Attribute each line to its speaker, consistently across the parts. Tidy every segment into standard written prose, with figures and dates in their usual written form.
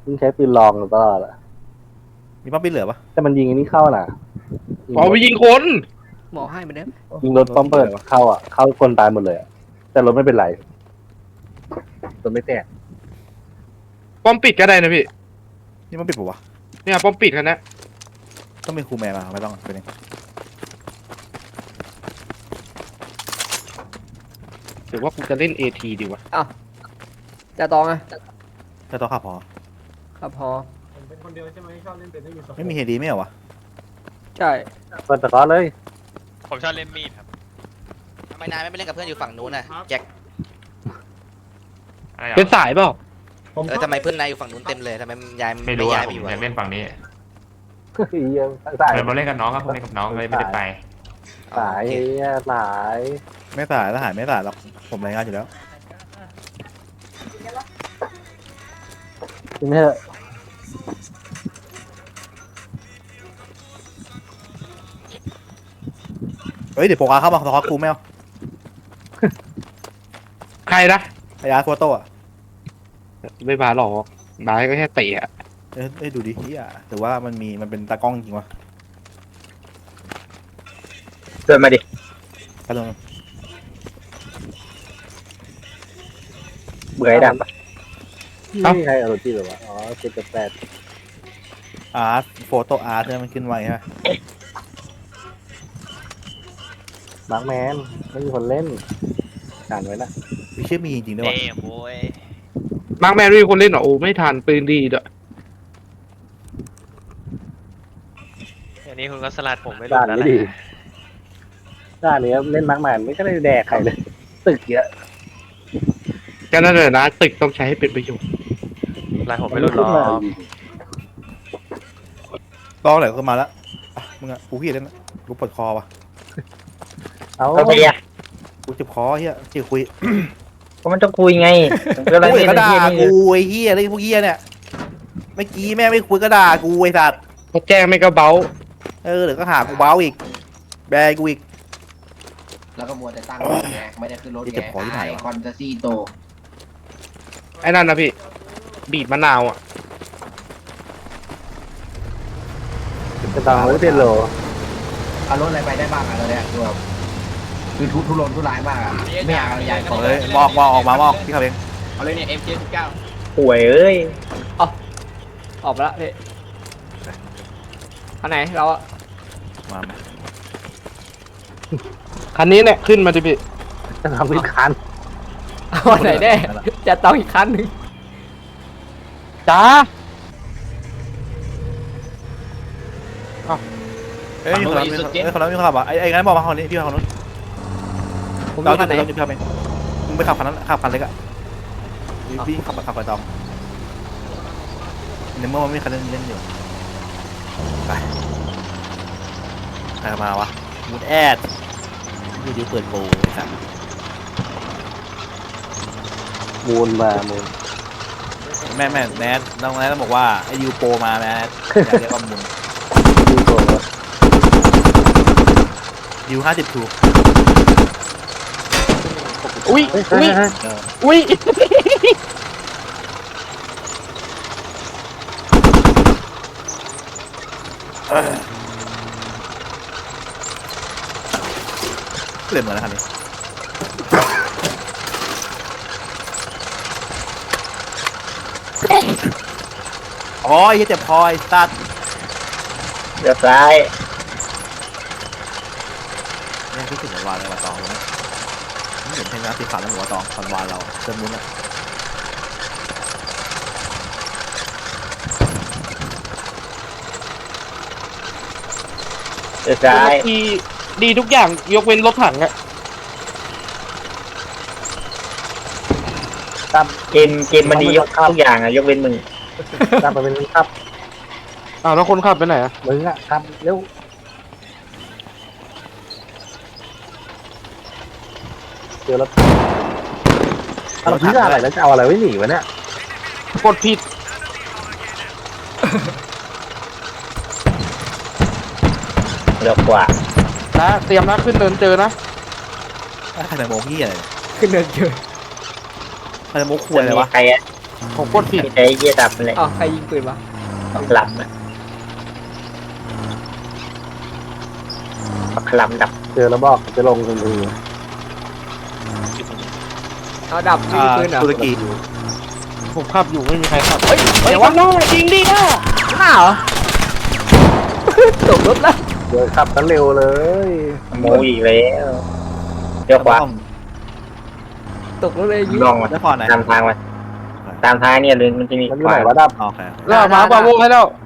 Speaker 1: มึงใช้ปืนลองตลอดอะ
Speaker 2: มีป้อมปิดเหลือปะ
Speaker 1: แต่มันยิงอันนี้เข้าน่ะ
Speaker 3: อ๋อไปยิงคน
Speaker 4: หมอให้มันได้ไหม
Speaker 1: ยิงรถป้อมเปิดเข้าอ่ะเข้าคนตายหมดเลยอะแต่รถไม่เป็นไรรถไม่แตก
Speaker 3: ป้อมปิดก็ได้นะพี่
Speaker 2: นี่มันปิดปะวะ
Speaker 3: เนี่ยป้อมปิดคันนะ
Speaker 2: ต้องเป็นครูแมนมาไม่ต้องเป็นเอง
Speaker 3: หรือว่ากูจะเล่น AT ดีวะ
Speaker 4: จะตองอะ
Speaker 2: จะต้องขับพอ
Speaker 4: ครับพอ
Speaker 5: ผมเป็นคนเดียวใช่ไหมชอบเล่นเป็นไม่มีสอง
Speaker 2: ไม่มีเฮดีไม่เหรอวะ
Speaker 4: ใช่
Speaker 1: เปิดตะกร้อเลย
Speaker 6: ผมชอบเล่นมีดครับ
Speaker 7: ทำไมนายไม่เล่นกับเพื่อนอยู่ฝั่งนู้นน่ะแจ็ค
Speaker 6: อะไร
Speaker 3: เป็นสายเปล่า
Speaker 5: ผม
Speaker 7: ทำไมเพื่อนนายอยู่ฝั่งนู้นเต็มเลยทำไมยาย
Speaker 6: ไม่รู้
Speaker 7: ย้า
Speaker 6: อ่ะ
Speaker 7: ย
Speaker 6: ผ
Speaker 7: ไป
Speaker 6: ม
Speaker 7: อยู่
Speaker 6: อยากเล่นฝั่งนี้
Speaker 1: เฮียสาย
Speaker 6: เดินมาเล่นกับน้องครับผมเล่นกับน้องเลยไม่ได้ไป
Speaker 1: สายเฮียสาย
Speaker 2: ไม่สายทหารไม่สายหรอกผมรายงานอยู่แล้ว
Speaker 1: จริงไหมเถอะ
Speaker 2: เฮ้ยเดี๋ยวโปกอาเข้ามาสควอตครูไม่เอา
Speaker 3: ใครนะ
Speaker 2: ไอ้อาร์โฟโต้อะ
Speaker 3: ไม่บาหรอกบาก็แค่เตะอะ
Speaker 2: เอ้ยดูดิเฮียแต่ว่ามันเป็นตากล้องจริงวะ
Speaker 1: เดินมาดิ
Speaker 2: กระโดด
Speaker 1: เบื่อไอ้ดำปะไม่มีใครเอารถที่หรอวะอ๋อ7.8
Speaker 2: อาร์โฟโต้อาร์เนี่ยมันขึ้นไวใช่ไหม
Speaker 1: มาร์คแมนไม่มีคนเล่นการไว้นะ
Speaker 2: มีชื่อมีจริงๆด้วย
Speaker 6: เอ้
Speaker 2: วะ
Speaker 6: โว้ย
Speaker 3: มาร์คแมนไม่มีคนเล่นเหรอโอ้ไม่ทันปืนดีด้วย
Speaker 6: อันนี้คุณก็สลัดผมไม่รู้
Speaker 1: ด่าน
Speaker 6: แล้วแห
Speaker 1: นี้
Speaker 6: ละ
Speaker 1: ดีด่านนี้เล่นมาร์คแมนไม่ก็ได้แดกใครเลย ตึกเยอะ
Speaker 3: ก็นั่นแหละนะตึกต้องใช้ให้เป็นประโยชน์
Speaker 6: อะไรผมไม่รู้หรอก
Speaker 2: กล้องไหนก็มาแล้วอ่ะมึงอะกูขี้เล่นละกูปวดคอวะ
Speaker 1: เอา
Speaker 8: โอเคอะ
Speaker 2: กูเจ็บคอเฮียเจ็บคุย
Speaker 8: ก็มันต้องคุยไงผมก็เลย
Speaker 2: กู
Speaker 8: เล่น
Speaker 2: ก็ด่า
Speaker 8: ที่นี่
Speaker 2: กูไอ้เฮียอะไรพวกเฮียเนี่ยเมื่อกี้แม่ไม่คุยก็ด่ากูไอ้สัตว์
Speaker 3: เขาแจ้งไม่ก็เบา
Speaker 2: เดี๋ยวก็หากูเบ้าอีกแบกกูอีก
Speaker 9: แล้วก็มัวแต่ตั้งรถไงไม่ได้ขึ้นรถ
Speaker 2: ที่
Speaker 9: ไง
Speaker 2: เก็บของที่ไหนวะ
Speaker 9: คอนเตซี่โต
Speaker 3: ไอ้นั่นนะพี่ บีบมะนาวอ่ะ
Speaker 1: จะต้องไม่เป็นโล
Speaker 9: เอารถอะไรไปได้บ้างอะเราเนี่ยคือทุรนทุรายมากอะไม่อยากอะไรใหญ่ของ
Speaker 2: เฮ้ยมอกออกมามอกพี่ขับเอง
Speaker 9: เอาเลยเนี่ย MK19
Speaker 8: ป่วยเอ้ย
Speaker 4: ออกมาละพี่อันไหนเราอะ
Speaker 2: มา
Speaker 3: คันนี้เนี่ยขึ้นมาดิพี่
Speaker 1: จะทำพิคัน
Speaker 4: เอาอันไหนแน่จะตองอีกคันหนึ่ง
Speaker 3: จ้า
Speaker 2: เฮ้ยมีคนรับมีคนขับอ่ะไอ้งั้นบอกมาคนนี้พี่ขับคนนู้น
Speaker 4: ผม
Speaker 2: เรา
Speaker 4: มีคันไหน
Speaker 2: จะพี่ขับเองมึงไปขับคันนั้นขับคันเล็กอ่ะพี่ขับไปตอมในเมื่อมันไม่มีคันเล่นอยู่ไปใครมาวะมูดแอดดูดิเปิดโปรไอ้สัส
Speaker 1: มูลมามูล
Speaker 2: แม่แนทน้องแนทต้องบอกว่าไอ้ยูโปรมาแนทอยากเรียกว่ามูล
Speaker 1: ดูโต
Speaker 2: ยู50ถูก
Speaker 3: อุ้ย
Speaker 1: เฮ้ย
Speaker 3: อุ้ย
Speaker 1: เฮ้ย
Speaker 3: อุ้ย
Speaker 2: เล่นเหมือนนะคันนี้อ๋อไอ้เจ็บคอไอ้สัตว์
Speaker 8: เดี๋ยวซ้าย
Speaker 2: เนี่ยคิดถึงวานเลยว่าตองนะไม่เห็นเพลงน้ำสีขาวแล้วหัวตองตอนวานเราเติมมุ้นอ่ะ
Speaker 8: เดี๋ยวซ้าย
Speaker 3: ดีดีทุกอย่างยกเว้นรถถังอะ
Speaker 8: เกมมันดียกทุกอย่างอะยกเว้นมึง
Speaker 1: ตามไปเป็นครับ
Speaker 3: อ้าวแล้วคนขับไปไหนอะ
Speaker 1: มึงอะครับเร็วเจอรถเราพิจารณาอะไรแล้วจะเอาอะไรไว้หนีวะเนี่ย
Speaker 3: กดผิด
Speaker 8: เร็วกว่า
Speaker 3: นะเตรียมนะขึ้นเดินเจอนะ
Speaker 2: ใครจะโมกี้อะไร
Speaker 4: ขึ้นเดินเจอ
Speaker 2: ใครจะโมควยอะไรวะ
Speaker 8: ใครอะ
Speaker 3: ผมกดผิด
Speaker 8: ไม่ใช่เยี่ยดับนั่นแหละ
Speaker 4: อ้าวใครยิงปืนวะ
Speaker 8: ปักลำอะปักลำดับ
Speaker 1: เจอแล้วบอกจะลงทันที
Speaker 4: เอาดับไม่มีปืนเหรอ
Speaker 2: ตุรกี
Speaker 3: ผมขับอยู่ไม่มีใครขับ
Speaker 4: เฮ้ย
Speaker 3: เดี๋
Speaker 4: เดี๋
Speaker 3: ย
Speaker 4: ยว ว
Speaker 3: ว่า
Speaker 4: วะ
Speaker 3: น้าจริงดิอ่ะ
Speaker 4: หน้าเหรอ ตกรถแล้ว
Speaker 1: เดี๋ยวขับกันเร็วเลย
Speaker 8: โมอีกแล้วเดี๋ยวขวา
Speaker 4: ตกรถเลยยิง
Speaker 8: ลองมา
Speaker 2: แล้วพอไหน
Speaker 8: ตามทางมาตามทางเนี่ยเลยมันจะมี
Speaker 1: มันอยู่ไหนวะดับ
Speaker 2: โอเค
Speaker 3: แล้วมาปาโวให้แล้ว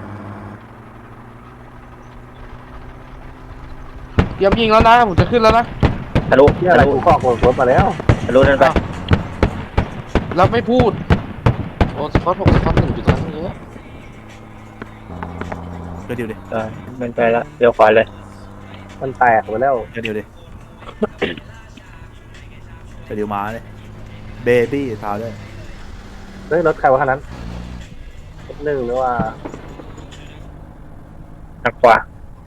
Speaker 3: เตรียมยิงแล้วนะผมจะขึ้นแล้วนะ
Speaker 8: ทะลุ
Speaker 1: ที่อะไรกูขอกรถมาแล้ว
Speaker 8: ทะลุนั่นไป
Speaker 3: แล้วไม่พูดโอ้สกอตผมสกอต1.3เยอะ
Speaker 2: เดี๋ยวดิ
Speaker 8: มันไปแล้วเดี๋ยวขวาเลย
Speaker 1: มันแตกไปแล้ว
Speaker 2: เดี๋ยวดิเดี๋ยวมาเลยเบบี้ทาวด้วย
Speaker 1: เฮ้ยรถใครวะคันนั้นหนึ่งหรือว่า
Speaker 8: ทางขวา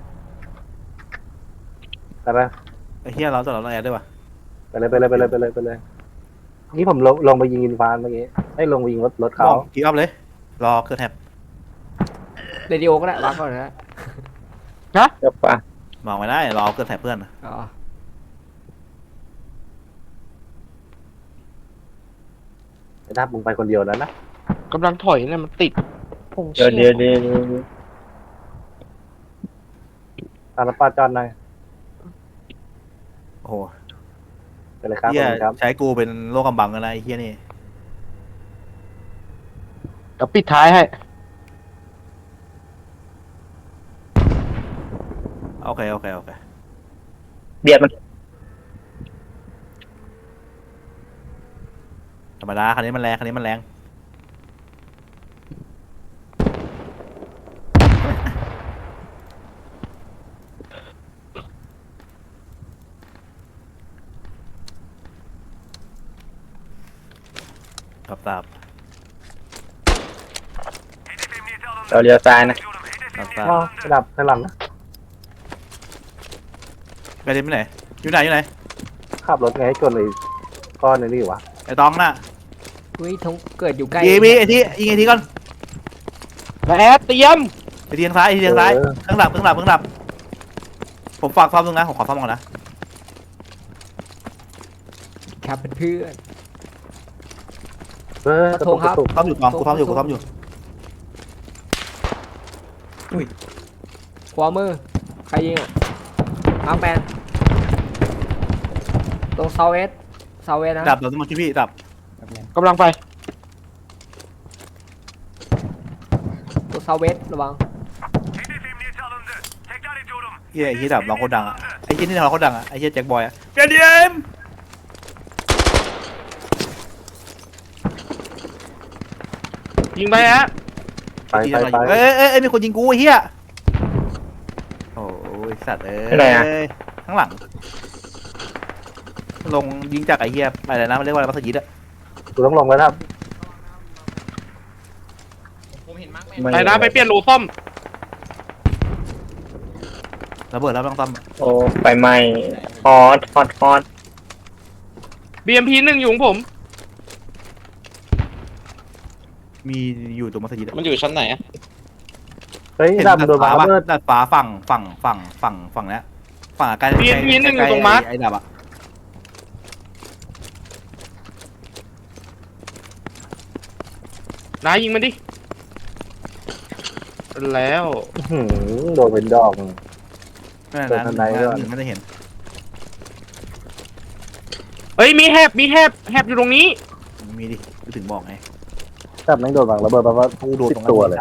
Speaker 1: อะไรนะ
Speaker 2: ไอ้เฮียเราต้องแอดด้วยวะ
Speaker 1: ไปเลยนี่ผมลงไปยิงอินฟานเมื่อกี้ให้ลงไปยิงรถเขา
Speaker 2: กีออฟเลยรอเครื่องแท็บ
Speaker 4: เรดิโอก็ได้วางก่อนนะ
Speaker 8: เดี๋ยวขวาม
Speaker 2: องไม่ได้รอเครื่องแท็บเพื่อน
Speaker 4: อ๋อ
Speaker 1: ไอ้ดับมึงไปคนเดียวแล้วนะ
Speaker 3: กำลังถอยเนี่ยมันติด
Speaker 8: เดี๋ยว
Speaker 1: ตามป้าจอนหน่อย
Speaker 2: โอ้โห
Speaker 1: ไปเลยครับ
Speaker 2: เฮีย
Speaker 1: ครับ
Speaker 2: ใช้กูเป็นโลกกำบังกันนะไอ้เฮียนี่
Speaker 3: เดี๋ยวปิดท้ายให้
Speaker 2: โอเค
Speaker 8: เบียดมัน
Speaker 2: ธรรมดาคันนี้มันแรงครับทราบ
Speaker 8: เราเลี้ยวซ้ายนะ
Speaker 2: ครับทราบ
Speaker 1: อ๋อไอ้ดับข้างหลังนะ
Speaker 2: ไปเล่นไปไหนอยู่ไหน
Speaker 1: ขับรถไงให้ชนไอ้ก้อนนี่วะ
Speaker 2: ไอ้ตองน่ะ
Speaker 4: อุ้ยทงเกิดอยู่ใกล้
Speaker 2: ยิงไอ้ที่ยิงไอ้ที่ก่อน
Speaker 3: แล้วแอดเตรียม
Speaker 2: ไอ้ที่ทางซ้ายข้างหลับผมฝากซ่อมตรงนะผมขอซ่อมก่อนนะครับ
Speaker 4: เป็นเพื่อน
Speaker 1: เฮ้ย
Speaker 4: ขอโทษครับ
Speaker 2: ซ่อมอยู่กองกูซ่อมอยู่
Speaker 4: ขวามือใครยิงอ่ะมาร์คแมนตรงเซาเวสนะ
Speaker 2: ดับเดี๋ยวต้องมาช่วยพี่ดับ
Speaker 3: กำลังไป
Speaker 4: ตรงเซาเวสระวัง
Speaker 2: เฮียไอ้ที่ดับร้องโคตรดังอ่ะไอ้ที่นี่ร้องโคตรดังอ่ะไอ้เฮียแจ็คบอยอ่ะเดียม
Speaker 3: ยิงไปฮะ
Speaker 1: ไป
Speaker 2: เอ้ยมีคนยิงกูไอ้เฮียโอ้ยสัตว์ข้างหลังลงยิงจากไอ้เฮียอะไรนะมันเรียกว่าอะไรมัสยิดอะ
Speaker 1: กูต้องลงแล้วครับ
Speaker 3: ไปนะไปเปลี่ยนโหลซ่อม
Speaker 2: ระเบิดแล้วต้องซ่อม
Speaker 8: โอ้ไฟไหม้ฮอต
Speaker 3: BMP 1อยู่ของผม
Speaker 2: มีอยู่ตรงมัสยิด
Speaker 6: มันอยู่ชั้นไหนอะ
Speaker 1: เฮ้ยดับโดนมาเบิด
Speaker 2: ดัดฟ้าฝั่งเนี้ยฝั่งใกล้ไอ้ดับอะ
Speaker 3: นายยิงมันดิ แล้ว
Speaker 1: โดนเป็นดอก
Speaker 2: นั่นไม่ได้เห็น
Speaker 3: เฮ้ยมีแฮบอยู่ตรงนี้
Speaker 2: มีดิถึงบอกไง
Speaker 1: ดับแม่งโดนบังระเบิดแปลว่ากูโดนตัวเลย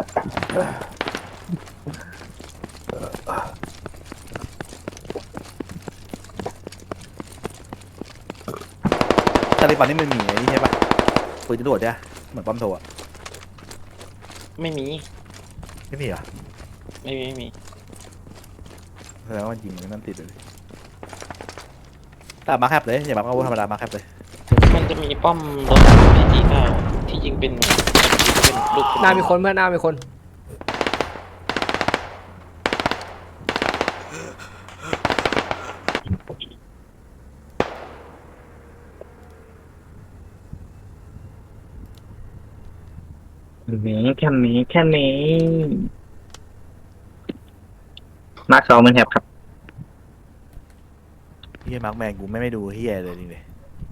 Speaker 2: ตาลิบันนี่มันมีไอ้นี่ใช่ปะปืนจะโดดใช่เหมือนป้อมโถอะ
Speaker 6: ไม่มี
Speaker 2: ไม่มีเหรอ
Speaker 6: ไม่มี
Speaker 2: แสดงว่ายิงนั่นติดเลยแต่มาแคบเลยอย่ามาเข้าธรรมดามาแคบเลย
Speaker 6: มันจะมีป้อมรถพีจีเก้าที่ยิงเป็นลูก
Speaker 4: หน้ามีคนเพื่อนหน้ามีคน
Speaker 8: แค่นี้มาร์ค2มันแถบครับ
Speaker 2: เฮียมาร์กแมนกูไม่ดูเฮียเลยนี่เลย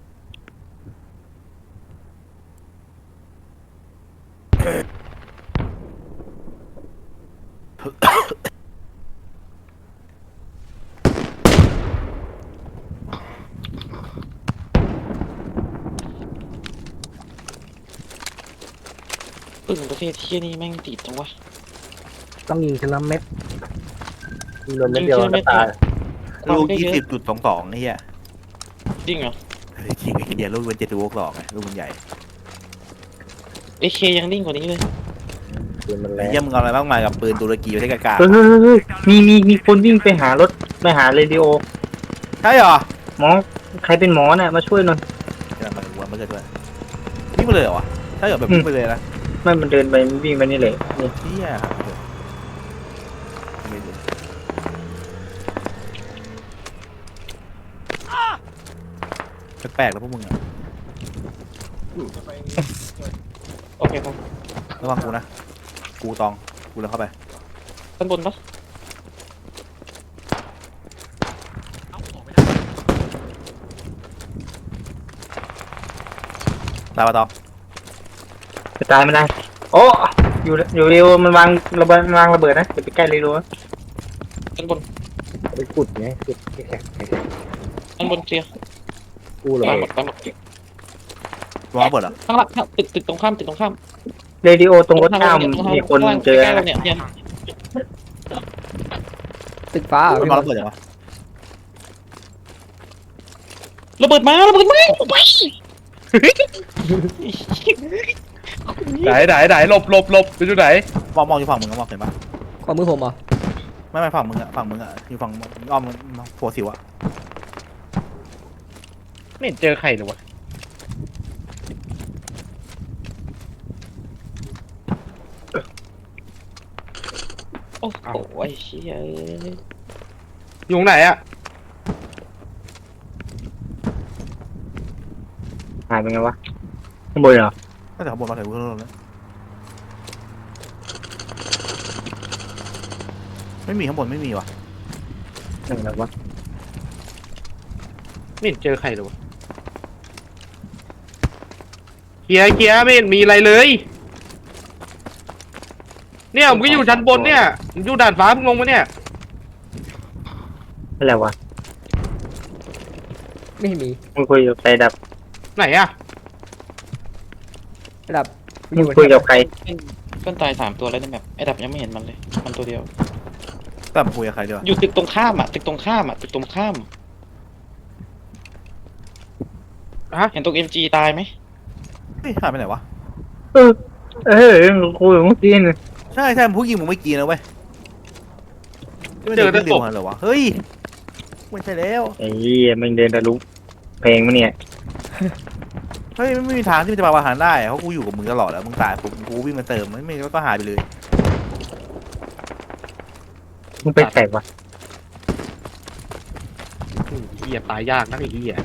Speaker 6: ปืนประเทศเที่ยนี่แม่งติดจังวะ
Speaker 1: ต้องยิงทีละเม็ดยิงโดนเม็ดเดียวก็ตาย
Speaker 2: ลูก20.22เฮีย
Speaker 6: จริงเหรอ
Speaker 2: จริงไอ้เดียลูกเป็น7.62ไงลูกมันใหญ่
Speaker 6: AK ยังนิ่งกว่านี้เลย
Speaker 1: ปืนมันแร
Speaker 2: ไอ้
Speaker 1: ง
Speaker 2: เหี้ยมึงเอาอะไรบ้างมากับปืนตุรกีประเทศกากา
Speaker 8: เฮ้ยมีคนวิ่งไปหารถไปหาเรดิโอ
Speaker 2: ใช่เหรอ
Speaker 8: หมอใครเป็นหมอน่ะมาช่วยหน่อย
Speaker 2: กำลังมาดูว่ามันเกิดด้วยวิ่งไปเลยเหรอวะใช่เหรอแบบวิ่งไปเลยนะ
Speaker 8: ไม่มันเดินไปวิ่งไปนี่เลยนี่
Speaker 2: เฮียครับไม่รู้แปลกๆแล้วพวกมึงอะ
Speaker 6: โอเคครับ
Speaker 2: ระวังกูนะกูตองกูเดินเข้าไป
Speaker 6: ด้านบนปะ
Speaker 2: ตายปะตอง
Speaker 8: จะตายไม่ได้โอ้อยู่เร็วมันวางระเบิดนะอย่าไปใกล้เร็ว
Speaker 6: ด้านบน
Speaker 1: ไปกุดไงกุดแข็ง
Speaker 6: ด้านบนเคลียร์
Speaker 1: กูเลย
Speaker 6: ตายหมดตายหมด
Speaker 2: วางระเบิดเหรอ
Speaker 6: ข้างล่างตึกตรงข้ามตึกตรงข้าม
Speaker 8: เรดิโอตรงรถข้ามมีคนเจอ
Speaker 6: ใกล้ๆเราเนี่ยเนี่ย
Speaker 4: ตึกฟ้าเหรอ
Speaker 2: มัน
Speaker 4: พี่
Speaker 2: วาง
Speaker 4: บอล
Speaker 2: ระเบิดยังวะ
Speaker 6: ระเบิดมาไป
Speaker 3: ไหนหลบไปอยู่ไหน
Speaker 2: มองอยู่ฝั่งมึงมองเห็นปะ
Speaker 4: ความมือผมเหรอ
Speaker 2: ไม่ฝั่งมึงอะอยู่ฝั่งอ้อมหัวสิวอะ
Speaker 3: ไม่เห็นเจอใครเลยวะ
Speaker 6: โอ้โหไอ้เชี่ย
Speaker 3: อยู่ตรงไหนอะ
Speaker 8: หายไปไงวะข้างบนเหรอ
Speaker 2: น่าจะข้างบนมาถึงข้างบนแล้วไม่มีข้างบนไม่มีวะ
Speaker 8: ไหนแล้ววะ
Speaker 3: ไม่เห็นเจอใครเลยวะเคลียร์ไม่เห็นมีอะไรเลย เนี่ยผมก็อยู่ชั้นบนเนี่ยผมอยู่ด่านฟ้ามึงลงมาเนี่ย
Speaker 8: อะไรวะ
Speaker 4: ไม่มี
Speaker 8: มึงคุยกับใครดับ
Speaker 3: ไหนอะ
Speaker 4: ระดับ
Speaker 8: มึงคุยกับใคร
Speaker 6: เพื่อนตาย3 ตัวแล้วในแมปไอ้ดับยังไม่เห็นมันเลยมันตัวเดียว
Speaker 2: แต่มาคุยกับใครดีวะ
Speaker 6: อยู่ตึกตรงข้ามอ่ะตึกตรงข้ามอ่ะตึกตรงข้าม
Speaker 3: ฮะ
Speaker 6: เห็นตรง MG ตายไหม
Speaker 2: เฮ้ยหายไปไหนวะ
Speaker 8: คุยกับเมื่อกี้น่ะ
Speaker 2: ใช่มันผู้ยิงมึงไม่กินนะเว้ย
Speaker 3: เจอแต่
Speaker 2: เร็
Speaker 3: ศ
Speaker 2: ว
Speaker 3: พ
Speaker 2: เหรอวะเฮ้ยไม่ใช่แล้ว
Speaker 8: ไอ้เหี้ยมันเดินทะลุเพลงมาเนี่ย
Speaker 2: เฮ้ยไม่มีทางที่มันจะมาประหารได้เพราะกูอยู่กับมึงตลอดแล้วมึงตายปุ๊บกูวิ่งมาเติมไม่ก็หายไปเลย
Speaker 8: มึงไปใส่วะ
Speaker 3: เหี้ยตายยากนะไอ้เหี้ย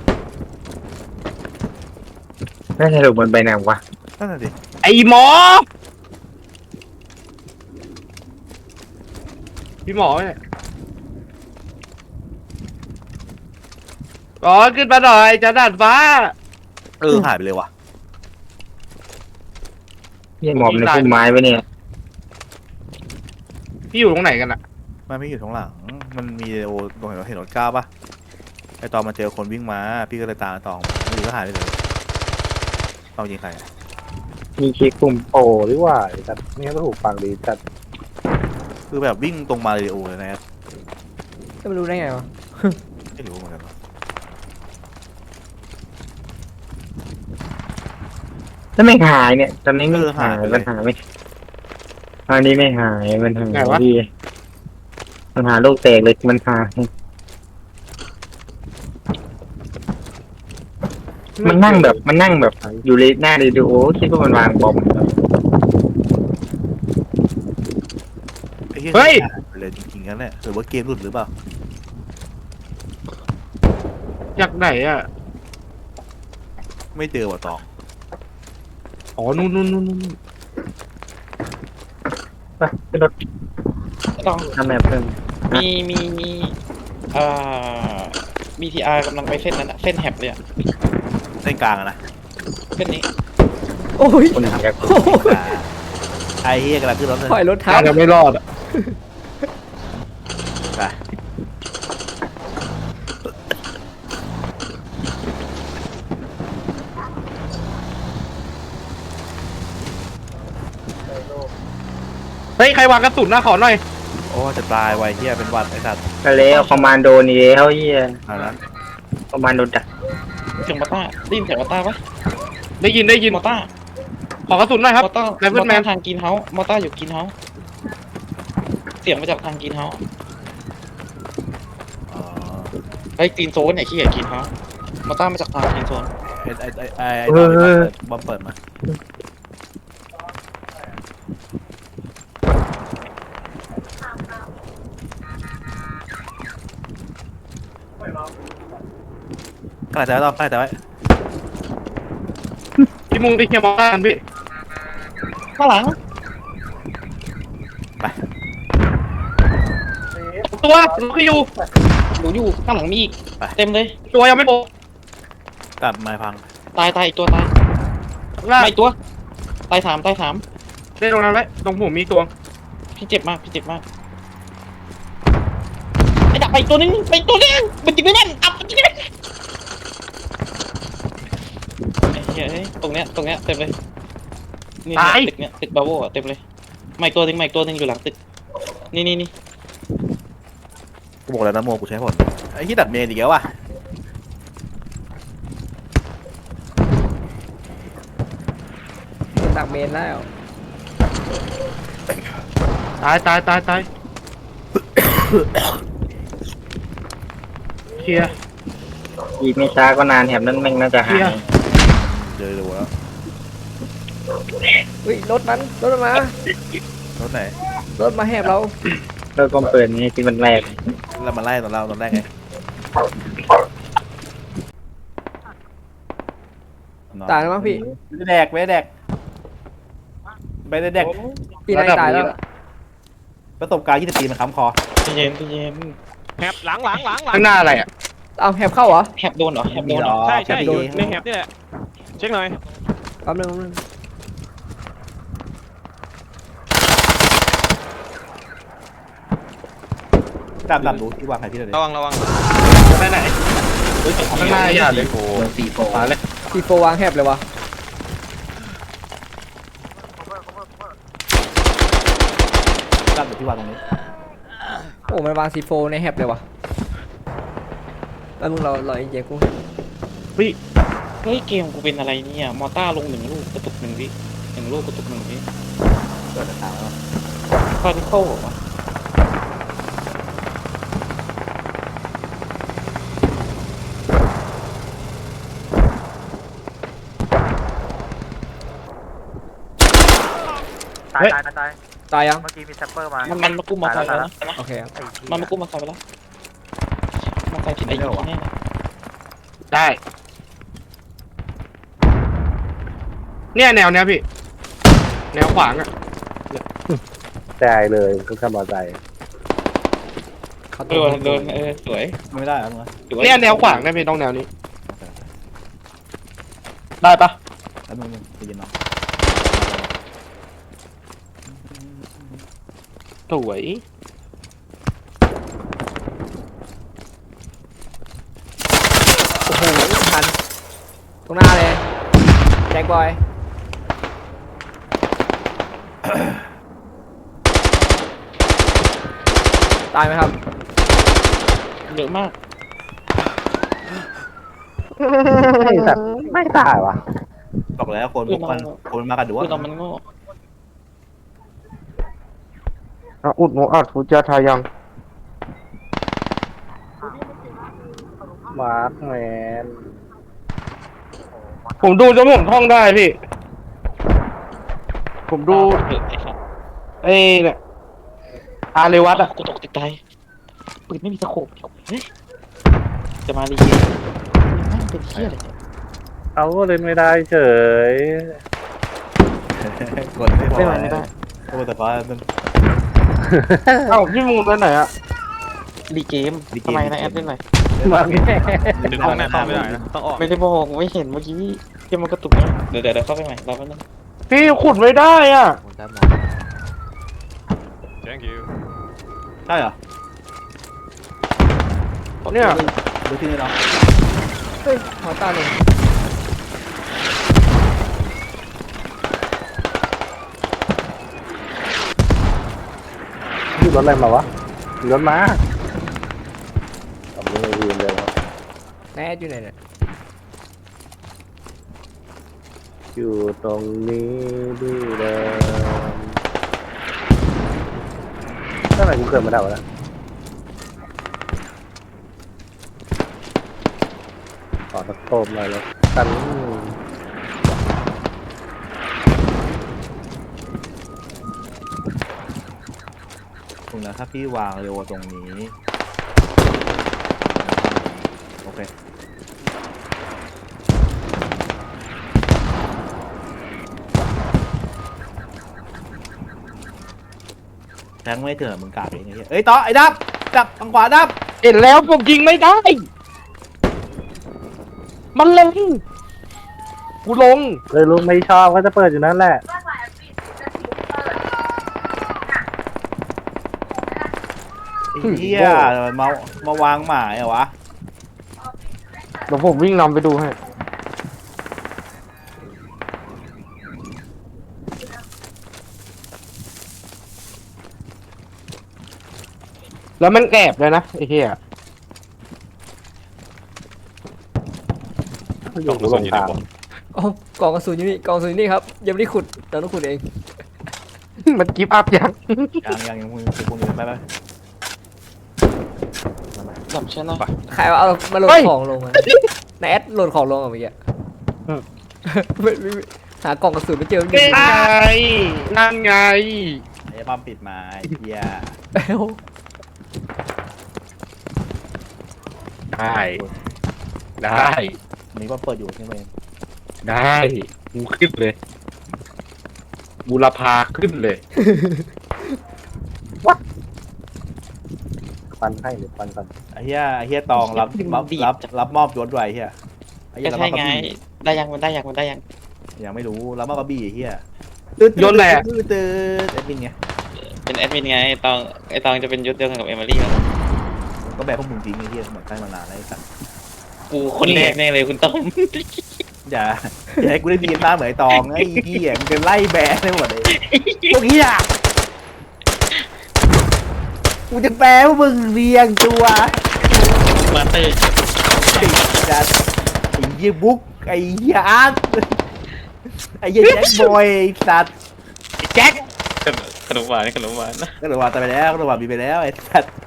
Speaker 8: น่าจะหลุดมันไปไหนวะ
Speaker 2: นั่นน่ะดิ
Speaker 3: ไอ้หมอพี่หมอเนี่ยอ๋อขึ้นมาหน่อยจะด่านฟ้า
Speaker 2: หายไปเลยว่ะ
Speaker 8: เหี้ยหมอบในพุ่มไม้ไปเนี่ย
Speaker 3: พี่อยู่ตรงไหนกันอะ
Speaker 2: มันไม่อยู่ข้างหลังมันมีโอตรงเห็นรถก้าวปะไอตอนมาเจอคนวิ่งมาพี่ก็เลยตามตองไม่อยู่ก็หายไปเลยตองยิงใครอะ
Speaker 8: มีเช็คปุ่ม
Speaker 1: โอ้หรือว่าจัดไม่งั้นก็ถูกฟังดีจัด
Speaker 2: คือแบบวิ่งตรงมาเลยโอเลยนะครับ
Speaker 4: จะไม่รู้ได้ไงวะ
Speaker 2: ไม่รู้เหมือนกันวะ
Speaker 8: แล้วไม่หายเนี่ยตอนนี้ไม่หายมันหายไม่ตอนนี้ไม่หายมันหายดีมันหาโรคแตกเลยมันหายมันนั่งแบบอยู่เลยหน้าเรดิโอคิดว่ามันวางบอม
Speaker 2: เฮ้ยเลยจริงๆนั่นแหละหรือว่าเกมหลุดหรือเปล่า
Speaker 3: จากไหนอะ
Speaker 2: ไม่เจอว่ะตอง
Speaker 3: อ๋อนู่น
Speaker 8: ขึ้นรถ
Speaker 6: ต้อง
Speaker 8: ทำแบบเพิ่ม
Speaker 6: มีเอ่อ BTR กำลังไปเส้นนั้นอะเส้นแฮบเลยอะ
Speaker 2: เส้นกลางอะนะ
Speaker 6: เส้นนี้
Speaker 4: โอ้ย
Speaker 8: คนอยาก
Speaker 4: โอ้ย
Speaker 2: ไอ้เฮียกำลังขึ้นรถเลย
Speaker 4: ถอยรถทั
Speaker 3: อา
Speaker 4: บ
Speaker 3: จจะไม่รอดอ่ะ
Speaker 2: ไป
Speaker 3: เฮ้ยใครวางกระสุนหน้าขอหน่อย
Speaker 2: โอ้จะตายไวเฮียเป็นหวัดไอ้สัตว์
Speaker 8: ก็แล้วคอมมานโดนี่แล้วเฮีย
Speaker 2: เอาละ
Speaker 8: คอมมานโดดัก
Speaker 6: เสียงมอต้าได้ยินเสียงมอต้าปะ
Speaker 3: ได้ยิน
Speaker 6: มอต้า
Speaker 3: ขอกระสุนหน่อยครับ
Speaker 6: มอต้า
Speaker 3: ไรเฟิลแมน
Speaker 6: ทางกินเฮาส์มอต้าอยู่กินเฮาส์เสียงมาจากทางกินเฮาส์
Speaker 2: อ๋อ
Speaker 6: ไอ้กินโซนเนี่ยขี้เกียจกินเฮาส์มอต้ามาจากทางกินโซน
Speaker 2: ไอ้ตอนนี้บอมเปิดมาขนาดแต่ไว้ต้องขนาดแต่ไว้
Speaker 3: พี่มุงที่เคลียร์มองกันพี่
Speaker 6: ข้างหลัง
Speaker 3: ตัวลูกที่อยู่
Speaker 6: หนูอยู่ข้างหลังมีอีกเต็มเลย
Speaker 3: ตัวยังไม่โผล่
Speaker 2: ตัดไม้พัง
Speaker 6: ตายอีกตัวตาย
Speaker 3: ล่า
Speaker 6: ไม่ตัวตายสาม
Speaker 3: ได้ตรงนั้นไว้ตรงผมมีตัว
Speaker 6: พี่เจ็บมากไอ้ดับไปอีกตัวนึงมันจิงไม่แน่นอับมันจิงไม่แน่นไอ้เหี้ยเอ้ยตรงเนี้ยเต็มเลยนี่ตึกเนี้ยตึกบาโวอะเต็มเลยไม่ตัวนึงอยู่หลังตึกนี่
Speaker 2: กูบอกแล้วนะโมกูใช้ผลไอ้ที่ดัดเมนอีกแล้วว่ะ
Speaker 4: ดักเมนแล้ว
Speaker 3: ตายเคลียร์
Speaker 8: อีกไม่ช้าก็นานแถบนั้นแม่งน่าจะหาย
Speaker 2: เจอแล้ว
Speaker 4: เฮ้ยรถมันมาร
Speaker 2: ถไหน
Speaker 4: รถมาแหบเรา
Speaker 8: แล้วก็เปิดนี่ที่มันแรก
Speaker 2: แล้วมาไล่ตอนเราตอนแรกไง
Speaker 4: ตายแล้วมั้งพี่
Speaker 2: ไม่ได้แดก
Speaker 4: พี่นายตายแล้ว
Speaker 2: ประสบการณ์20 ปีมันค้ำคอ
Speaker 6: ใจเย็น
Speaker 5: แฮบหลัง
Speaker 3: ข้างหน้าอะไรอ่ะ
Speaker 4: เอาแหบเข้าเหรอ
Speaker 6: แฮบโดนเหรอแฮบโดนเหรอ
Speaker 5: ใช่อยู่ในแฮบนี่แหละเช็คหน่อย
Speaker 4: แป๊บนึง
Speaker 2: ดำดูที่วางใครที่ไหน
Speaker 5: ระวัง
Speaker 3: ไปไหนข้างหน้าอย่าเลย
Speaker 9: โดนตีโฟ
Speaker 3: มาเลย
Speaker 4: ทีโฟวางแหบเลยวะ
Speaker 2: ดำดูที่วางตรงนี้
Speaker 4: โอ้มันวางซีโฟในแหบเลยวะแล้วมึงเราเย็นกู
Speaker 6: เฮ้ยเกมกูเป็นอะไรเนี่ยมอต้าลง1 ลูกกระตุก1 วิ1 ลูกกระตุก1 วิ
Speaker 2: เกิดทางแล้ว
Speaker 6: คาร์ดิโค้เหรอ
Speaker 8: ตาย
Speaker 4: ตายยัง
Speaker 8: เมื่อกี้มีแซปเปอร์มา
Speaker 6: มันมากู้มอไซค์แล้วนะ
Speaker 4: โอเคครับ
Speaker 6: มันมากู้มอไซค์ไปแล้วมอไซค์ที่ไหนอยู่ที่แน่เลย
Speaker 3: ได้เนี่ยแนวเนี้ยพี่แนวขวางอ่ะ
Speaker 1: แจเลยคือขับมอเตอร์ไซค์
Speaker 4: เขา
Speaker 6: โดนสวย
Speaker 2: ไม่ได้แล้วมึง
Speaker 3: เนี่ยแนวขวางได้พี่ต้องแนวนี้ ได้ปะ
Speaker 2: แล้วมึงไปยินน้อง
Speaker 3: สวย
Speaker 4: โอ้โหทันตรงหน้าเลยแจ็คบอยตายไหมครับ
Speaker 6: เยอะมาก
Speaker 1: ไม่ตายวะ
Speaker 2: บอกแล้วคนพวกมันคนมากันดู
Speaker 6: คือ
Speaker 2: ว่า
Speaker 6: เรามันโง่
Speaker 3: อุดโมอัดฟูจาทายัง
Speaker 1: มาร์คแมน
Speaker 3: ผมดูจนผมท่องได้พี่ ผมดู
Speaker 6: เถอะไอ้สัส
Speaker 3: ไอ้เนี่ยอาเรวัตอ่ะ
Speaker 6: กูตกติดใจปืนไม่มีตะโขบเฮ้ยจะมาลีเกมมันเป็นเที่ยอะไรเนี่ย
Speaker 1: เอาก็เล่นไม่ได้เฉย
Speaker 2: กดไม่พอ
Speaker 6: ไม่ได้
Speaker 2: ตัวแต่ฟ้ามัน
Speaker 3: เอ้าพี่มูนไปไหนอะ
Speaker 6: รีเกมทำไมนะแอดเล่นหน่อย
Speaker 1: มาแง่
Speaker 5: ดึงห้องหน้าไม่ได้นะต้องออก
Speaker 6: ไม่ได้บอกไม่เห็นเมื่อกี้เกมมันกระตุกนะเดี๋ยวเข้าไปใหม่รอแป๊บนึง
Speaker 3: พี่ขุดไม่ได้อ่ะ
Speaker 4: ผมจำหมด
Speaker 5: thank you
Speaker 2: ใช่เหรอ
Speaker 3: เนี่ย
Speaker 2: ดูที่นี่เนาะ
Speaker 4: เฮ้ยหัวตาเลย
Speaker 1: มีรถอะไรมาวะมีรถมาทำยังไงยืนเลยครับ
Speaker 4: แน่อยู่ไหนเนี่ย
Speaker 1: อยู่ตรงนี้ดีเลยทำไมกูเกิดมาได้วะเนี่ยขอตะโกนหน่อยเลยกัน
Speaker 2: ตรงนั้นถ้าพี่วางเร็วตรงนี้โอเคแทงไม่เจอมึงกาดเองไอ้เหี้ยเอ้ยต่อไอ้ดับทางขวาดับ
Speaker 3: เห็นแล้วผมยิงไม่ได้ มันลงกูลง
Speaker 1: เลยลุงไม่ชอบก็จะเปิดอยู่นั่นแหละ
Speaker 2: ไอ้เหี้ยมาวางหมายเหรอวะ
Speaker 3: เดี๋ยวผมวิ่งนำไปดูให้แล้วมันแอบเลยนะไอ้เหี้ย
Speaker 1: อยู่ลงทาง
Speaker 4: อ๋อกล่องกระสุนอยู่นี่กล่องกระสุนอยู่นี่ครับยังไม่ได้ขุดเราต้องขุดเอง
Speaker 3: มันกิฟต์อัพยัง
Speaker 2: ยังมึงไป
Speaker 6: จับใช่ไหม
Speaker 4: ใครเอามาโหลดของลงมาในแอดโหลดของลงอ่ะเมื่อกี้ไม่หากล่องกระสุนไม่เจอ
Speaker 3: นั่นไงนั่นไง
Speaker 2: ไอ้ปั๊มปิดมาไอ้เหี้ย
Speaker 4: เอ้า
Speaker 3: ได้ได้
Speaker 2: นี่ก็เปิดอยู่ใช่ไหม
Speaker 3: ได้กูขึ้นเลยบูรพาขึ้นเลย
Speaker 1: ฟันให้หรือฟันก่อน
Speaker 2: ไอ้เหี้ยตองรับมอบยศไว้เหี้ยไอ้เหี้
Speaker 6: ก็
Speaker 2: ย
Speaker 6: ใช่ไงได้ยังมันได้ยัง
Speaker 2: ยังไม่รู้รับมอบกระบี่ไอ้เหี้ย
Speaker 3: ยศแหละ
Speaker 2: ตื่นไอ้บินไง
Speaker 6: เป็นแอดมินไงไอตองจะเป็นยศเดียวกันกับเอมิลี่
Speaker 2: ก็แบบพวกมึงจริงไอ้เหี้ยเหมือนใกล้มานานแล้วไอ้สัตว์
Speaker 6: กูคนแรกแน่เลยคุณต้อง
Speaker 2: อย่าให้กูได้ดีมากเหมือนไอ้ตองไอ้เหี้ยมึงจะไล่แบะได้หมดเลยพวกเหี้ยกูจะแปลว่ามึงเรียงตัว
Speaker 6: มาเตอร์
Speaker 2: ไอ้จัดไอ้เหี้ยบุ๊กไอ้เหี้ยอาร์ตไอ้เหี้ยแจ็คบอยไอ้สัตว์
Speaker 3: แจ็ค
Speaker 6: ขนมหวาน
Speaker 2: ก็เลยว่าตายไปแล้วก็เลยว่ามีไปแล้วไอ้สัตว์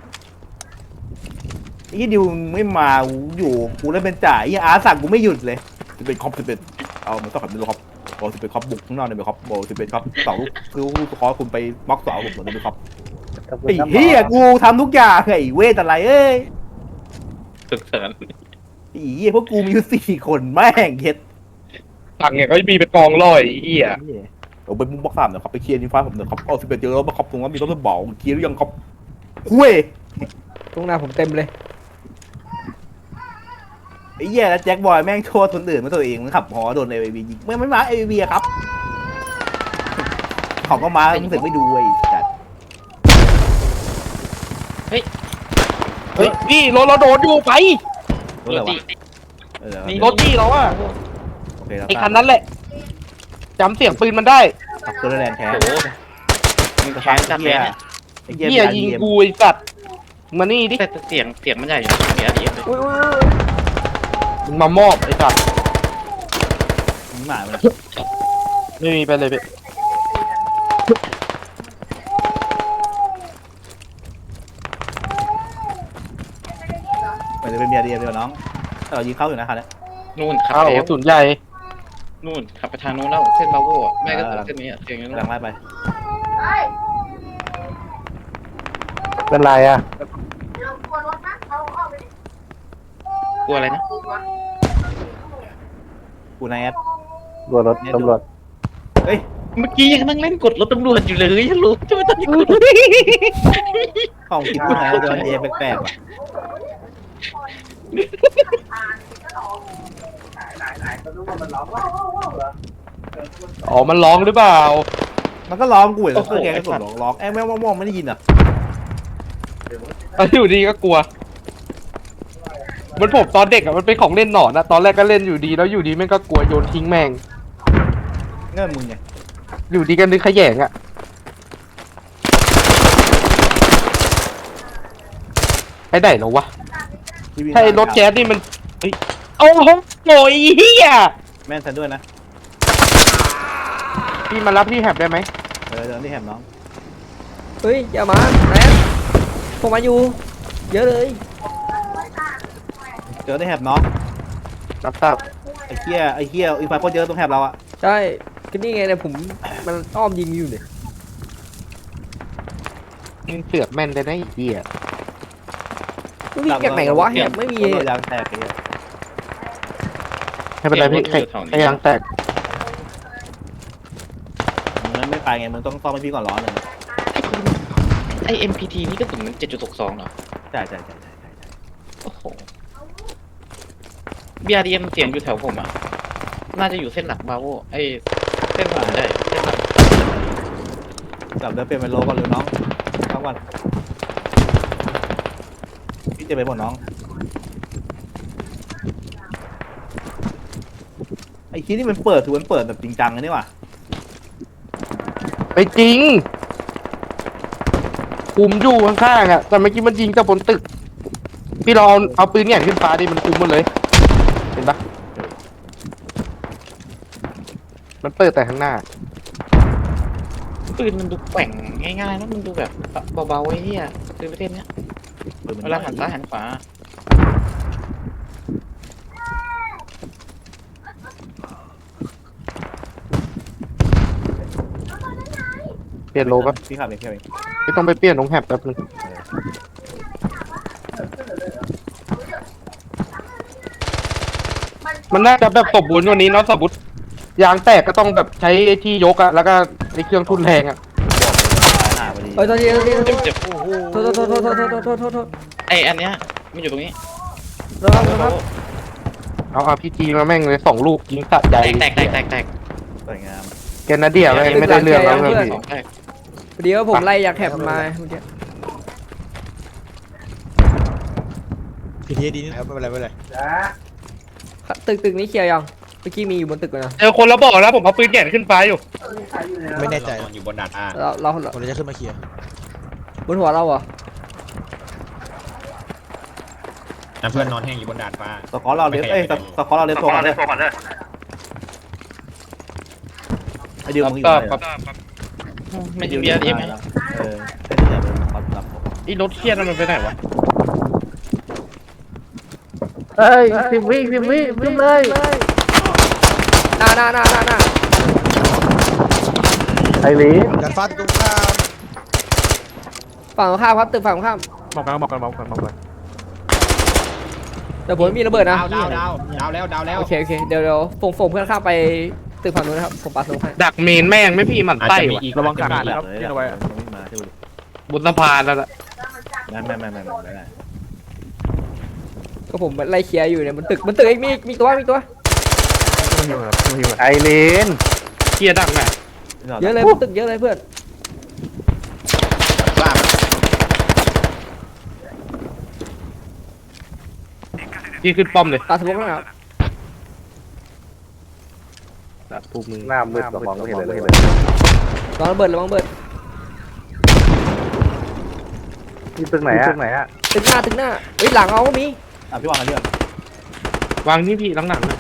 Speaker 2: ไอ้เหี้ยดิวไม่มาอยู่กูเล่นเป็นจ่ายไอ้เหี้ยอาร์ตสั่งกูไม่หยุดเลยจะเป็นคอปจะเป็นเอามันต้องขับเป็นคอปโอ้จะเป็นคอปบุกข้างนอกเนี่ยเป็นคอปโอ้จะเป็นคอปเสาคือคอคุณไปบล็อกเสาผมเหมือนเป็นคอปไอ้เหี้ยกูทำทุกอย่างไอ้เวทอะไรเอ้ย
Speaker 6: สุดเสริญ
Speaker 2: ไอ้เหี้ยพวกกูมีอยู่4 คนแม่งเฮ็ด
Speaker 3: ฝั่งเนี่ยก็มีเป็นกองร้อยไอ้เหี้ย
Speaker 2: เอาไปมุมบล็อก3เนี่ยครับไปเคลียร์นิฟ้าผมเนี่ยครับเอา11เจอแล้วมาครับตรงนั้นมีรถบอกเคลียร์หรือยังครับคุย
Speaker 4: ตรงหน้าผมเต็มเลย
Speaker 2: ไอ้เหี้ยแล้วแจ็คบอยแม่งโทษคนอื่นมาตัวเองมันขับหอโดนเอวียิงไม่มาเอวีครับเขาก็มามึงถึงไม่ดูไอ้จัด
Speaker 3: เฮ้ยพี่รถเราโดนอยู่ไป
Speaker 2: รถอะไรวะ
Speaker 3: รถที่เราอะ
Speaker 2: โอเคแล้ว
Speaker 3: ไอ้คันนั้นแหละจำเสียงปืนมันได้
Speaker 2: ขับเครื่องแรงแท้
Speaker 6: มึงแค้นจัดเลยเนี่ย
Speaker 2: ไอ้เหี้ย
Speaker 3: เหี้ยยิงกูไอ้สัตว์มานี่ดิ
Speaker 6: แต่เสียงมันใหญ่อยู่เสียดีเลย
Speaker 4: อุ้ย
Speaker 3: มึงมามอบไอ้สัตว์
Speaker 2: มึงหมาเลย
Speaker 3: ไม่มีไปเลยพี่
Speaker 2: เหมือนจะเป็นเมียเดียวน้องเรายิงเข้าอยู่นะครับเนี่ย
Speaker 6: นู่นขับ
Speaker 3: อ้าว
Speaker 6: ไป
Speaker 3: ศูนย์ใหญ่
Speaker 6: นู่นขับไปทางนู้นแล้วเส้นบาโว่แม่ก็เส้นนี้เสียงนู้น
Speaker 2: กำลังไล่ไป
Speaker 1: เป็นไรอ่ะ
Speaker 6: กลัวอะไรนะ
Speaker 2: กูนายแอด
Speaker 1: กลัวรถตำรวจ
Speaker 2: เฮ้ย
Speaker 6: เมื่อกี้ยังนั่งเล่นกดรถตำรวจอยู่เลยฮัลโหลจะไม่ต้องยิงกด
Speaker 2: ของกินผู้ชายโดนเยแปลกๆว่ะ
Speaker 3: อ๋อมันร้องหรือเปล่า
Speaker 2: มันก็ร้องกูแล้วเพื่อนแกก็กดร้องแม่งไม่ได้ยินอ่ะ
Speaker 3: อยู่ดีก็กลัวมันผมตอนเด็กอะมันเป็นของเล่นหนอนอะตอนแรกก็เล่นอยู่ดีแล้วอยู่ดีแม่งก็กลัวโยนทิ้งแม่ง
Speaker 2: เงื่อนมึงไง
Speaker 3: อยู่ดีกันนึกขยงอะไอ้ไหนเหรอวะใช่รถแก๊สนี่มันเฮ้ยโอ้โหโอยเฮีย
Speaker 2: แม่นฉันด้วยนะ
Speaker 3: พี่มารับพี่แฮบได้ไหม
Speaker 2: เดินที่แหมน้อง
Speaker 4: เฮ้ยอย่ามาแอดผมมาอยู่เยอะเลย
Speaker 2: เจอที่แหมน้อง
Speaker 3: รับทราบ
Speaker 2: ไอ้เหี้ยอีกฝ่ายคนเยอะตรงแหมเราอ่ะ
Speaker 4: ใช่ก็นี่ไงเนี่ยผมมันอ้อมยิงอยู่เนี่ย
Speaker 3: มึงเสือกแม่นได้ไอ้เหี้ย
Speaker 4: มันวิ่งจากไหนกันวะแฮบไม่มี
Speaker 2: ยางแตกไอ้เหี้ย
Speaker 3: ไม่เป็นไรพี่ไอ้ยางแตก
Speaker 2: มึงไม่ไปไงมึงต้องซ่อมให้พี่ก่อนร้อนเลย
Speaker 6: ไอ MPT นี่ก็ถึง7.62เหรอ
Speaker 2: ใช่
Speaker 6: โอ้โห BRDM เสียงอยู่แถวผมอ่ะน่าจะอยู่เส้นหลักบาโวไอเส้นผ่านได้เส้นหลัก
Speaker 2: จับเดินเปลี่ยนเป็นโลก่อนเร็วน้องเข้าก่อนพี่จะไปหมดน้องไอ้คีนี่มันเปิดถือมันเปิดแบบจริงจังเลยนี่ว่ะ
Speaker 3: ไปจริงคุมอยู่ข้างๆอะแต่เมื่อกี้มันยิงจากบนตึกพี่ลองเอาปืนแหง่นขึ้นฟ้าดิมันคุมหมดเลยเห็นปะมันเปิดแต่ข้างหน้า
Speaker 6: ปืนมันดูแกว่งง่ายๆแล้วมันดูแบบเบาๆไอ้เหี้ยปืนประเทศเนี้ยเวลาหันซ้ายหันขวา
Speaker 3: เปลี่ยนโลก็
Speaker 2: พี่ขับเอง
Speaker 3: ไม่ต้องไปเปลี่ยนตรงแฮบแป๊บนึงมันน่าจะแบบสมบูรณ์กว่านี้เนาะสมมติยางแตกก็ต้องแบบใช้ไอ้ที่ยกอะแล้วก็ไอ้เครื่องทุนแรงอะ
Speaker 2: หน้าพอดี
Speaker 4: เฮ้ยโทษทีโทษที
Speaker 6: เจ็บ
Speaker 4: โทษ
Speaker 6: ไออันเนี้ยมันอยู่ตรงนี้
Speaker 4: ครับ
Speaker 3: เอาRPGมาแม่งเลย2 ลูกยิงสะใจ
Speaker 6: แตก
Speaker 2: สวยงาม
Speaker 3: แกนาเดียแม่งไม่ได้เรื่องแล้วเลยพี่
Speaker 6: สองแตก
Speaker 4: เดี๋ยวผมไล่อยากแถบมาเมื่อกี้
Speaker 10: พีทีดีนะครับไม่เป็นไรไม่เป็นไร
Speaker 4: ตึกนี้เคลียร์ยังเมื่อกี้มีอยู่บนตึกเลยนะ
Speaker 3: เจอคนแล้วบอกแล้วผมเอาปืนแหง่นขึ้นฟ้าอยู่
Speaker 10: ไม่แน่ใจ
Speaker 5: อยู่บนดาดฟ้า
Speaker 4: เรา
Speaker 10: คนจะขึ้นมาเคลียร์
Speaker 4: บนหัวเราเหรอ
Speaker 5: เพื่อนนอนแห้งอยู่บนดาดฟ้า
Speaker 2: สกอร์เราเล็บสกอร์เราเล็บตัวก่อนเลยไอเดียวมึงอยู่ไหน
Speaker 6: ไม่ถึง BRDM ไหม
Speaker 2: ไอ้ที่เนี่ยเป็นรับ
Speaker 3: ไอ้รถเครียดมันไปไหนวะเฮ้ย10 วิวิ่งเลย
Speaker 4: หน้า
Speaker 3: ไอ้ลี
Speaker 10: ดันฟ้าตรงข้าม
Speaker 4: ฝั่งตรงข้ามครับตึกฝั่งตรงข้าม
Speaker 3: บอกกัน
Speaker 4: แต่ผมมีระเบิดนะ
Speaker 5: ดาวแล้ว
Speaker 4: โอเคเดี๋ยวส่งเพื่อนข้ามไปตึกฝั่งนู้นนะครับผมปัดลงให้
Speaker 3: ดักเมนแม่งไม่พี่มันไส้วะ
Speaker 2: ระวังขาดนะครับที่เอาไว้ไม่มาที่ดู
Speaker 3: บนสะพานแล้วล่ะ
Speaker 2: ไม่ได้
Speaker 4: ก็ผมไล่เคลียร์อยู่เนี่ยมันตึกเองมีตัว
Speaker 3: ไอเลนเครียดดักไหน
Speaker 4: เยอะเลยบนตึกเยอะเลยเพื่อน
Speaker 3: พี่ขึ้นป้อมเลย
Speaker 4: ตาสมองนะครับ
Speaker 3: ปุ๊บมึง
Speaker 1: หน้ามืดสมองไม่เห็นเลย
Speaker 4: ระวังระเบิด
Speaker 1: นี่ตึกไหนอะ
Speaker 4: ตึกหน้าเฮ้ยหลังเอาก็มี
Speaker 2: พี่วางกันเรื่อง
Speaker 3: วางนี่พี่หลังๆนะ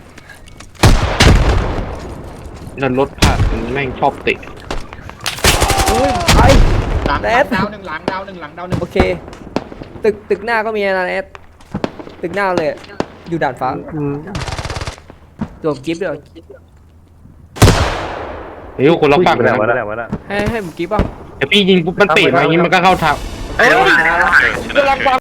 Speaker 3: นั่นรถผ่านแม่งชอบเตะ
Speaker 4: อุ้ยไป
Speaker 5: ดาว
Speaker 4: แดด
Speaker 5: หนึ่งหลังดาวหนึ่ง
Speaker 4: โอเคตึกหน้าก็มีนะแอดตึกหน้าเลยอยู่ด่านฟ้าโดนกิฟต์เลย
Speaker 3: เฮ้ยคนละฝั่ง
Speaker 1: ไป
Speaker 3: เลย
Speaker 1: ไหน
Speaker 3: นะ
Speaker 1: วะน่ะ
Speaker 4: ให้ผมกิฟต์ป่ะ
Speaker 3: แต่พี่ยิงปุ๊บมันเตะมาอย่างงี้มันก็เข้าทางเอ้ยกำลัง